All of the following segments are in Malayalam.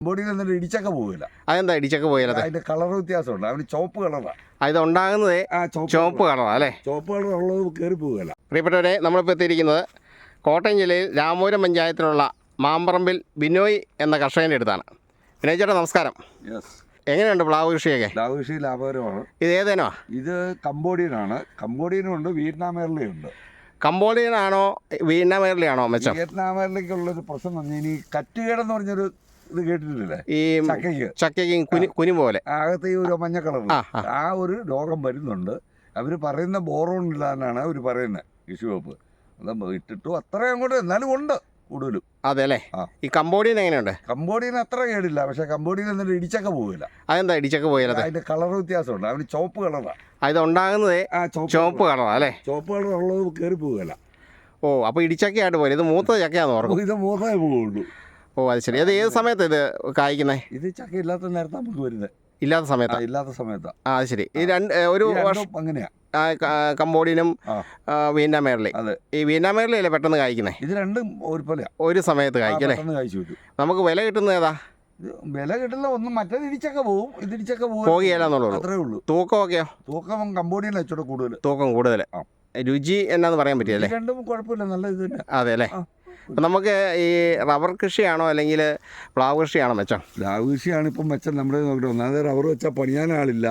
ബോഡിയിൽ നിന്നിട്ട് ഇടിച്ചക്ക പോകില്ല. അതെന്താ ഇടിച്ചക്ക പോയാലത്? അതിന്റെ കളർ വ്യത്യാസമുണ്ട്. അവന് ചുവപ്പ് കളറാണ്. ഇത് ഉണ്ടാകുന്നത് ചുവപ്പ് കളറാണ് അല്ലേ? ചുവപ്പ് കളർ ഉള്ളത് കയറി പോകില്ല. പ്രിയപ്പെട്ടവരെ, നമ്മളിപ്പോൾ എത്തിയിരിക്കുന്നത് കോട്ടയം ജില്ലയിൽ രാമപുരം പഞ്ചായത്തിലുള്ള മാമ്പറമ്പിൽ ബിനോയ് എന്ന കർഷകൻ്റെ അടുത്താണ്. ബിനോയ് ചേട്ടാ നമസ്കാരം. എങ്ങനെയുണ്ട് പ്ലാവ് കൃഷിയൊക്കെ? പ്ലാവ് കൃഷി ലാഭകരമാണ്. ഇത് ഏതേനോ? ഇത് കംബോഡിയനാണ്. കംബോഡിയനും ഉണ്ട്, വിയറ്റ്നാം എയർലിയുണ്ട്. കംബോഡിയനാണോ വിയറ്റ്നാം എയർലിയാണോ മെച്ചം? വിയറ്റ്നാം എയർലിക്കുള്ളൊരു പ്രശ്നം എന്ന് പറഞ്ഞാൽ ഈ കറ്റുകേടെന്ന് പറഞ്ഞൊരു ഇത് കേട്ടിട്ടില്ലേ? ഈ ചക്കയ്ക്കും കുനി പോലെ അകത്ത് ഈ ഒരു മഞ്ഞ കളർ ആ ഒരു രോഗം വരുന്നുണ്ട്. അവർ പറയുന്ന ബോറോൺ ഇല്ലാന്നാണ് അവർ പറയുന്നത്, കൃഷി വകുപ്പ്. അത് ഇട്ടിട്ടു അത്രയും അങ്ങോട്ട് എന്നാലും ഉണ്ട് കൂടുതലും. അതെ അല്ലേ? ഈ കംബോഡിയൻ എങ്ങനെയുണ്ട്? കംബോഡിയൻ അത്ര കേടില്ല, പക്ഷെ കംബോഡിയൻ എന്നിട്ട് ഇടിച്ചക്ക പോകില്ല. അതെന്താ ഇടിച്ചക്ക പോയാലത്? അതിന്റെ കളർ വ്യത്യാസമുണ്ട്. അവന് ചുവപ്പ് കളറാണ്. ഇത് ഉണ്ടാകുന്നത് ചുവപ്പ് കളറാണ് അല്ലേ? ചുവപ്പ് കളർ ഉള്ളത് കയറി പോകില്ല. ഓ, അപ്പോൾ ഇടിച്ചക്കയായിട്ട് പോലെ ഇത് മൂത്ത ചക്കയാന്ന് ഓർക്കും. ഇത് മൂത്തേ പോവുള്ളൂ. ഓ, അത് ശരി. അത് ഏത് സമയത്ത് ഇത് കായ്ക്കുന്നത്? ഇത് ചക്ക ഇല്ലാത്ത നേരത്തെ നമുക്ക് വരുന്നത്. ഇല്ലാത്ത സമയത്താണ്? ഇല്ലാത്ത സമയത്താണ്. ആ, അത് ശരി. ഈ ഒരു വർഷം അങ്ങനെയാ. കംബോഡിയനും വിയറ്റ്നാം എയർലി. ഈ വിയറ്റ്നാം എയർലി അല്ലേ പെട്ടെന്ന് കായ്ക്കുന്നത്? ഇത് രണ്ടും ഒരുപോലെ ഒരു സമയത്ത് കായ്ക്കും അല്ലേ? നമുക്ക് വില കിട്ടുന്നത് ഏതാ? വില കിട്ടില്ല. ഒന്നും മറ്റേത് ഇടിച്ചക്ക പോവും, ഇത് ഇടിച്ചക്ക പോകില്ലെന്നുള്ളൂ. അത്രേ ഉള്ളൂ. തൂക്കമൊക്കെയോ? തൂക്കം കംബോഡിയൻ വെച്ചോടെ കൂടുതൽ. തൂക്കം കൂടുതൽ. രുചി എന്നാന്ന് പറയാൻ പറ്റിയല്ലേ? രണ്ടും കുഴപ്പമില്ല, നല്ല ഇത് തന്നെ. അതെ അല്ലേ? അപ്പം നമുക്ക് ഈ റബ്ബർ കൃഷിയാണോ അല്ലെങ്കിൽ പ്ലാവ് കൃഷിയാണോ മെച്ചം? പ്ലാവ് കൃഷിയാണ് ഇപ്പം മെച്ചം. നമ്മുടെ നോക്കിയിട്ട് ഒന്നാമത് റബ്ബർ വെച്ചാൽ പണിയാനാളില്ല,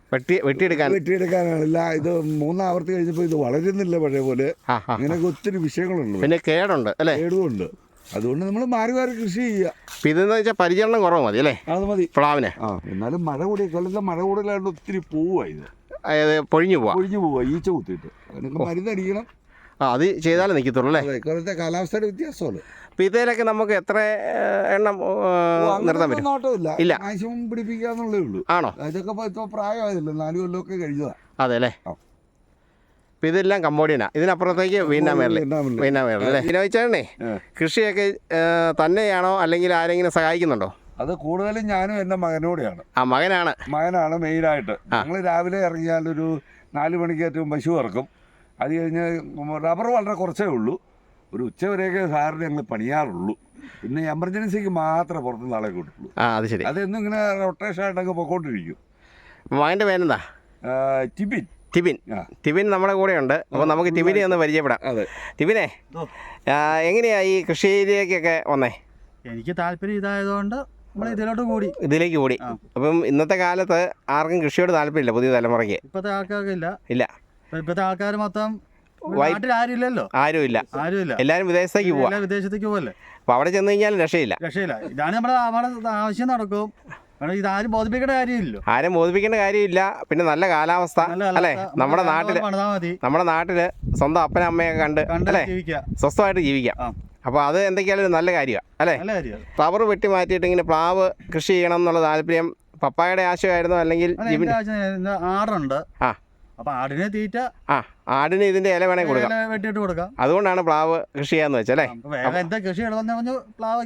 വെട്ടിയെടുക്കാനാളില്ല. ഇത് മൂന്നാവർത്തി കഴിഞ്ഞപ്പോൾ ഇത് വളരുന്നില്ല പഴയ പോലെ. അങ്ങനെയൊക്കെ ഒത്തിരി വിഷയങ്ങളുണ്ട്. പിന്നെ കേടുണ്ട് അല്ലേ? കേടുമുണ്ട്. അതുകൊണ്ട് നമ്മൾ മാറി മാറി കൃഷി ചെയ്യുക. ഇതെന്ന് വെച്ചാൽ പരിചരണം കുറവ് മതി അല്ലേ? അത് മതി പ്ലാവിന്. എന്നാലും മഴ കൂടി കൊല്ലത്തെ മഴ കൂടുതലായിട്ട് ഒത്തിരി പോവുക. ഇത് അതായത് പൊഴിഞ്ഞു പോവുക, ഈച്ച കുത്തിയിട്ട് അതിനൊക്കെ മരുന്നടിക്കണം. അത് ചെയ്താലേ നിൽക്കത്തുള്ളൂ അല്ലേ? ഇക്കൊല്ലത്തെ കാലാവസ്ഥയുടെ വ്യത്യാസമല്ല. അപ്പം ഇതിലൊക്കെ നമുക്ക് എത്ര എണ്ണം നിർത്താൻ പറ്റും? നോട്ടമില്ല, മാക്സിമം പിടിപ്പിക്കാന്നുള്ളേ ഉള്ളൂ. ആണോ? ഇതൊക്കെ ഇപ്പോൾ പ്രായമായതല്ലോ, 4 കൊല്ലമൊക്കെ കഴിഞ്ഞതാണ്. അതെ അല്ലേ? അപ്പം ഇതെല്ലാം കംബോഡിയനാ. ഇതിനപ്പുറത്തേക്ക് വിയറ്റ്നാം എയർലി അല്ലേ? വിനോദിച്ചേട്ടനെ കൃഷിയൊക്കെ തന്നെയാണോ അല്ലെങ്കിൽ ആരെങ്കിലും സഹായിക്കുന്നുണ്ടോ? അത് കൂടുതലും ഞാനും എൻ്റെ മകനോടെയാണ്. മകനാണ് മെയിനായിട്ട്. ഞങ്ങൾ രാവിലെ ഇറങ്ങിയാലൊരു 4 മണിക്ക് ഏറ്റവും പശു ഇറക്കും. അത് കഴിഞ്ഞ് റബ്ബർ വളരെ കുറച്ചേ ഉള്ളൂ. ഒരു ഉച്ചവരെയൊക്കെ സാറിന് ഞങ്ങൾ പണിയാറുള്ളൂ. പിന്നെ എമർജൻസിക്ക് മാത്രമേ പുറത്തുനിന്ന് ആളെ കൂട്ടുള്ളൂ. അത് ശരി. അതെന്നും ഇങ്ങനെ റൊട്ടേഷൻ ആയിട്ടൊക്കെ പൊക്കോണ്ടിരിക്കും. മകൻ്റെ പേരെന്താ? ടിബിൻ നമ്മുടെ കൂടെ ഉണ്ട്. അപ്പോൾ നമുക്ക് ടിബിനെ ഒന്ന് പരിചയപ്പെടാം. അതെ, ടിബിനെ, എങ്ങനെയാ ഈ കൃഷിയിലേക്കൊക്കെ വന്നേ? എനിക്ക് താല്പര്യം ഇതായതുകൊണ്ട് ഇതിലേക്ക് കൂടി. അപ്പം ഇന്നത്തെ കാലത്ത് ആർക്കും കൃഷിയോട് താല്പര്യമില്ല, പുതിയ തലമുറയ്ക്ക്. ഇപ്പോഴത്തെ ആൾക്കാർക്ക് ഇല്ല. ഇപ്പോഴത്തെ ആൾക്കാർ മൊത്തം ആരുമില്ലല്ലോ. ആരുമില്ല. എല്ലാവരും വിദേശത്തേക്ക് പോവല്ലേ. അപ്പോൾ അവിടെ ചെന്ന് കഴിഞ്ഞാലും രക്ഷയില്ല. ഇതാണ് നമ്മുടെ ആവശ്യം നടക്കും. ഇതാരും ബോധിപ്പിക്കേണ്ട കാര്യമില്ലല്ലോ. ആരും ബോധിപ്പിക്കേണ്ട കാര്യമില്ല. പിന്നെ നല്ല കാലാവസ്ഥ അല്ലേ? നമ്മുടെ നാട്ടില് സ്വന്തം അപ്പനും അമ്മയൊക്കെ കണ്ട് അല്ലേ സ്വസ്ഥമായിട്ട് ജീവിക്കാം. അപ്പോൾ അത് എന്തൊക്കെയാലും ഒരു നല്ല കാര്യമാണ് അല്ലേ? റബ്ബർ വെട്ടി മാറ്റിയിട്ട് ഇങ്ങനെ പ്ലാവ് കൃഷി ചെയ്യണം എന്നുള്ള താല്പര്യം പപ്പായുടെ ആശയമായിരുന്നു അല്ലെങ്കിൽ ആടുണ്ട്? അപ്പോൾ ആടിനെ തീറ്റ, ആടിന് ഇതിന്റെ ഇല വേണേൽ വെട്ടിയിട്ട് കൊടുക്കാം. അതുകൊണ്ടാണ് പ്ലാവ് കൃഷി ചെയ്യാന്ന് വെച്ചല്ലേ? എന്താ കൃഷി പ്ലാവ്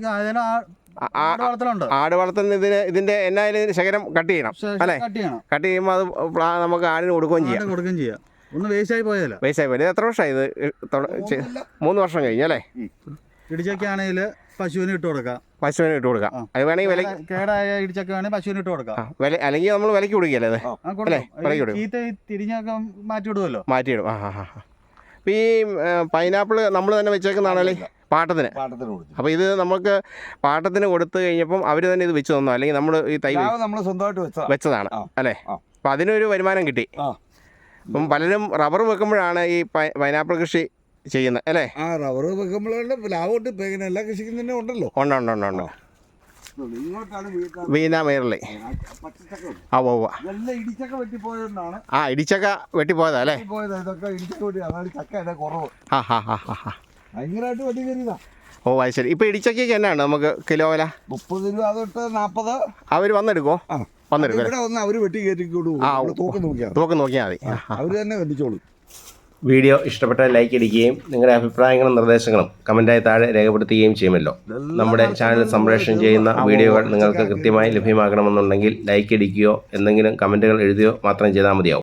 ആട് വളർത്തുന്ന ഇതിന്റെ എന്നായാലും ശകലം കട്ട് ചെയ്യണം അല്ലേ? കട്ട് ചെയ്യുമ്പോൾ അത് നമുക്ക് ആടിന് കൊടുക്കുകയും ചെയ്യാം. ഒന്ന് വേസ്റ്റ് ആയി പോയതല്ല. ഇത് എത്ര വർഷമായി? ഇത് 3 വർഷം കഴിഞ്ഞല്ലേ? ഇടിച്ചൊക്കെയാണെങ്കിൽ പശുവിന് ഇട്ട് കൊടുക്കാം. അത് വേണമെങ്കിൽ വില കേടായ ഇടിച്ചൊക്കെ വേണമെങ്കിൽ പശുവിന് ഇട്ട് കൊടുക്കാം. അല്ലെങ്കിൽ നമ്മൾ വിലക്ക് കൊടുക്കുകയല്ലേ? തിരിഞ്ഞൊക്കെ മാറ്റിവിടുമല്ലോ. മാറ്റിയിടും. അപ്പം ഈ പൈനാപ്പിൾ നമ്മൾ തന്നെ വെച്ചേക്കുന്നതാണല്ലേ? പാട്ടത്തിന്. അപ്പോൾ ഇത് നമുക്ക് പാട്ടത്തിന് കൊടുത്തു കഴിഞ്ഞപ്പം അവർ തന്നെ ഇത് വെച്ച് തന്നോ അല്ലെങ്കിൽ നമ്മൾ ഈ തൈ നമ്മൾ സ്വന്തമായിട്ട് വെച്ചതാണ് അല്ലേ? അപ്പം അതിനൊരു വരുമാനം കിട്ടി. അപ്പം പലരും റബ്ബർ വെക്കുമ്പോഴാണ് ഈ പൈനാപ്പിൾ കൃഷി ചെയ്യുന്നത് അല്ലേ? റബ്ബർ വെക്കുമ്പോഴാണ് ലാഭമുണ്ട്. ഇപ്പം എല്ലാ കൃഷിക്കും തന്നെ ഉണ്ടല്ലോ. ഉണ്ട്. Vietnam early. ഇടിച്ചക്ക വെട്ടിപ്പോയതാ അല്ലേ? ഓ, അത് ശരി. ഇപ്പൊ ഇടിച്ചക്കയ്ക്ക് എന്നാണ് നമുക്ക് കിലോ വില? 30 രൂപ തൊട്ട് 40. അവർ വന്നെടുക്കോ? അവര് വെട്ടി തൂക്കം നോക്കിയാൽ മതി. അവര് തന്നെ കണ്ടിച്ചോളൂ. വീഡിയോ ഇഷ്ടപ്പെട്ടാൽ ലൈക്ക് അടിക്കുകയും നിങ്ങളുടെ അഭിപ്രായങ്ങളും നിർദ്ദേശങ്ങളും കമൻറ്റായി താഴെ രേഖപ്പെടുത്തുകയും ചെയ്യുമല്ലോ. നമ്മുടെ ചാനൽ സംപ്രേഷണം ചെയ്യുന്ന വീഡിയോകൾ നിങ്ങൾക്ക് കൃത്യമായി ലഭ്യമാകണമെന്നുണ്ടെങ്കിൽ ലൈക്ക് അടിക്കുകയോ എന്തെങ്കിലും കമൻറ്റുകൾ എഴുതുകയോ മാത്രം ചെയ്താൽ മതിയാവും.